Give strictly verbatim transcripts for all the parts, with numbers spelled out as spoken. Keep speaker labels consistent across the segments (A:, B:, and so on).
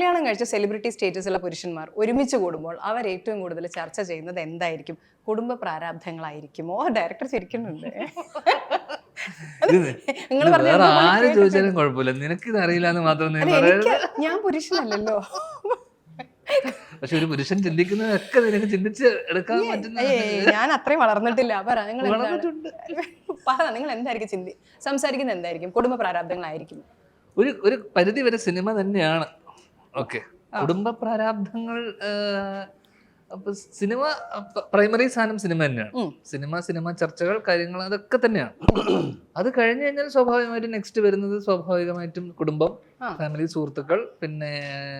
A: കല്യാണം കഴിച്ച സെലിബ്രിറ്റി സ്റ്റേറ്റസുള്ള പുരുഷന്മാർ ഒരുമിച്ച് കൂടുമ്പോൾ അവർ ഏറ്റവും കൂടുതൽ ചർച്ച ചെയ്യുന്നത് എന്തായിരിക്കും? കുടുംബ പ്രാരാബ്ധങ്ങളായിരിക്കുമോ? ഡയറക്ടർ ചിരിക്കുന്നുണ്ട്. നിങ്ങൾ
B: ആര് ചോദിച്ചാലും കുഴപ്പമില്ല, നിനക്കിത് അറിയില്ല എന്ന് മാത്രം
A: ഞാൻ പുരുഷനല്ലല്ലോ.
B: പക്ഷെ ഒരു പുരുഷൻ ചിന്തിക്കുന്നതൊക്കെ നിനക്ക് ചിന്തിച്ച് എടുക്കാൻ പറ്റുന്ന.
A: ഞാൻ അത്രയും വളർന്നിട്ടില്ല. പറ നിങ്ങൾ പറ നിങ്ങൾ എന്തായിരിക്കും ചിന്തി സംസാരിക്കുന്നത് എന്തായിരിക്കും? കുടുംബ പ്രാരാബ്ധങ്ങളായിരിക്കും.
B: ഒരു ഒരു പരിധി വരെ സിനിമ തന്നെയാണ്. ഓക്കെ, കുടുംബ പ്രാരാബ്ധങ്ങൾ. അപ്പൊ സിനിമ പ്രൈമറി സാധനം സിനിമ തന്നെയാണ്. സിനിമ സിനിമ ചർച്ചകൾ കാര്യങ്ങൾ അതൊക്കെ തന്നെയാണ്. അത് കഴിഞ്ഞു കഴിഞ്ഞാൽ സ്വാഭാവികമായിട്ടും നെക്സ്റ്റ് വരുന്നത് സ്വാഭാവികമായിട്ടും കുടുംബം, ഫാമിലി, സുഹൃത്തുക്കൾ, പിന്നെ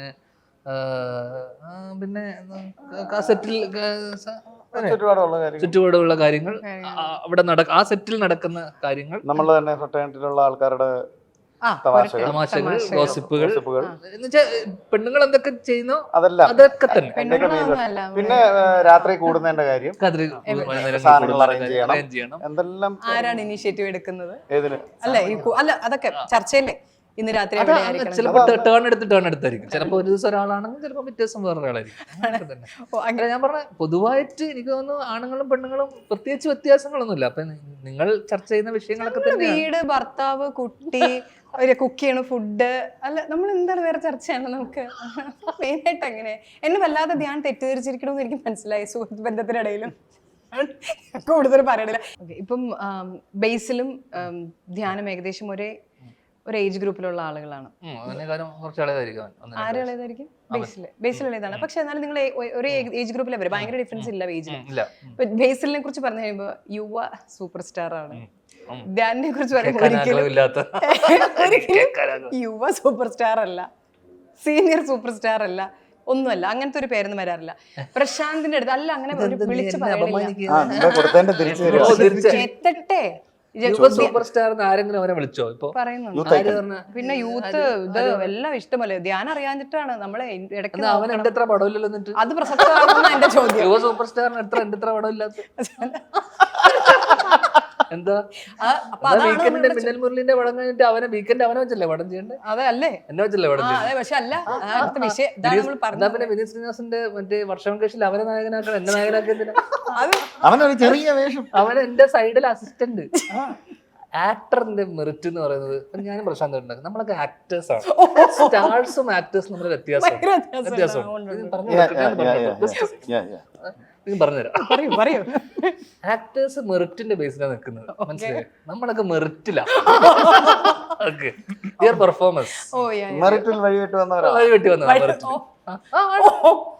B: പിന്നെ സെറ്റിൽ ചുറ്റുപാടുള്ള കാര്യങ്ങൾ, അവിടെ നടക്ക ആ സെറ്റിൽ നടക്കുന്ന കാര്യങ്ങൾ,
C: നമ്മൾ തന്നെ ഫ്രട്ടേണിറ്റിയിലുള്ള ആൾക്കാരുടെ
B: തമാശകൾ, ഗോസിപ്പുകൾ, പെണ്ണുങ്ങൾ എന്തൊക്കെ ചെയ്യുന്നോ
C: അതെല്ലാം
B: അതൊക്കെ തന്നെ.
C: പിന്നെ രാത്രി കൂടുന്നതിന്റെ കാര്യം, സാധനങ്ങൾ അറേഞ്ച് ചെയ്യണം, എന്തെല്ലാം.
A: ആരാണ് ഇനിഷ്യേറ്റീവ് എടുക്കുന്നത്? അല്ല അല്ല അതൊക്കെ ചർച്ചയില്ലേ? ഇന്ന് രാത്രി
B: ചിലപ്പോൾ ടേൺ എടുത്ത് ടേൺ എടുത്തായിരിക്കും. ചിലപ്പോൾ ഒരു ദിവസം ഒരാളാണെങ്കിൽ ചിലപ്പോൾ പിറ്റേ ദിവസം വേറെ ഒരാളായിരിക്കും. അങ്ങനെ ഞാൻ പറഞ്ഞ പൊതുവായിട്ട് എനിക്ക് തോന്നുന്നു ആണുങ്ങളും പെണ്ണുങ്ങളും പ്രത്യേകിച്ച് വ്യത്യാസങ്ങളൊന്നുമില്ല. അപ്പൊ നിങ്ങൾ ചർച്ച ചെയ്യുന്ന വിഷയങ്ങളൊക്കെ തന്നെ
A: വീട്, ഭർത്താവ്, കുട്ടി, ഒരു കുക്ക് ചെയ്യണ ഫുഡ്, അല്ല നമ്മൾ എന്താണ് വേറെ ചർച്ച ചെയ്യണം നമുക്ക് മെയിനായിട്ട്. അങ്ങനെ എന്നെ വല്ലാതെ ധ്യാൻ തെറ്റിദ്ധരിച്ചിരിക്കണമെന്ന് എനിക്ക് മനസ്സിലായി. സുഹൃത്ത് ബന്ധത്തിനിടയിലും കൂടുതൽ പറയണില്ല. ഇപ്പം ബേസിലും ധ്യാനം ഏകദേശം ഒരേ ഒരു ഏജ് ഗ്രൂപ്പിലുള്ള ആളുകളാണ്. ആരും ഇളയതായിരിക്കും ബേസിൽ ബേസിലുള്ളതാണ്. പക്ഷെ എന്നാലും നിങ്ങൾ ഒരേ ഏജ് ഗ്രൂപ്പിലെ വരും, ഭയങ്കര ഡിഫറൻസ് ഇല്ല ഏജിൽ. ബേസിലിനെ കുറിച്ച് പറഞ്ഞു കഴിയുമ്പോൾ യുവ സൂപ്പർ സ്റ്റാർ ആണ്. ധ്യാനിനെ കുറിച്ച് പറയുമ്പോൾ യുവ സൂപ്പർ സ്റ്റാർ അല്ല, സീനിയർ സൂപ്പർ സ്റ്റാർ അല്ല, ഒന്നുമല്ല. അങ്ങനത്തെ ഒരു പേരൊന്നും വരാറില്ല. പ്രശാന്തിന്റെ അടുത്ത് അല്ല അങ്ങനെ വിളിച്ചു എത്തട്ടെ
B: സൂപ്പർ സ്റ്റാർ ആരെങ്കിലും അവനെ വിളിച്ചോ? ഇപ്പൊ
A: പറയുന്നുണ്ട്. പിന്നെ യൂത്ത് ഇത് എല്ലാം ഇഷ്ടമല്ലേ? ധ്യാനം അറിയാഞ്ഞിട്ടാണ് നമ്മളെ ഇടയ്ക്ക്.
B: അവൻ എന്റെ എത്ര പടമില്ലല്ലോ. എന്നിട്ട്
A: അത് പ്രസക്തമാണെന്നാണ് എന്റെ ചോദ്യം.
B: യുവ സൂപ്പർ സ്റ്റാറിന് എത്ര എന്റെ എത്ര പടമില്ലാത്ത എന്താ? വീക്കെൻഡിന്റെ മിന്നൽ മുരളിന്റെ പടം കഴിഞ്ഞിട്ട് അവനെ വീക്കെൻഡ് അവനെ വെച്ചല്ലേ പടം ചെയ്യണ്ടേ?
A: അതെ അല്ലേ,
B: എന്നെ വെച്ചല്ലേ പടം ചെയ്യണ്ടേ?
A: പക്ഷെ അല്ല
B: പിന്നെ വിനീത് ശ്രീനിവാസന്റെ മറ്റേ വർഷം കേസിൽ അവനെ നായകനാക്കണം, എന്നെ നായകനാക്കിയതിന്
C: അവനൊരു ചെറിയ വേഷം.
B: അവൻ എന്റെ സൈഡിൽ അസിസ്റ്റന്റ്. ആക്ടറിന്റെ മെറിറ്റ് എന്ന് പറയുന്നത് ഞാനും പ്രശാന്ത് ഉണ്ടാക്കും. നമ്മളൊക്കെ ആക്ടേഴ്സ് ആണ്. സ്റ്റാർസും ആക്ടേഴ്സും നമ്മൾ വ്യത്യാസം വ്യത്യാസം പറഞ്ഞുതരാം. ആക്ടേഴ്സ് മെറിറ്റിന്റെ ബേസിലാണ് നിൽക്കുന്നത്, മനസ്സിലായി? നമ്മളൊക്കെ മെറിറ്റിലാ. പെർഫോമൻസ്
C: മെറിറ്റിൽ വഴിവിട്ട് വന്നവരാ
B: വഴിവിട്ട് വന്നവരാ.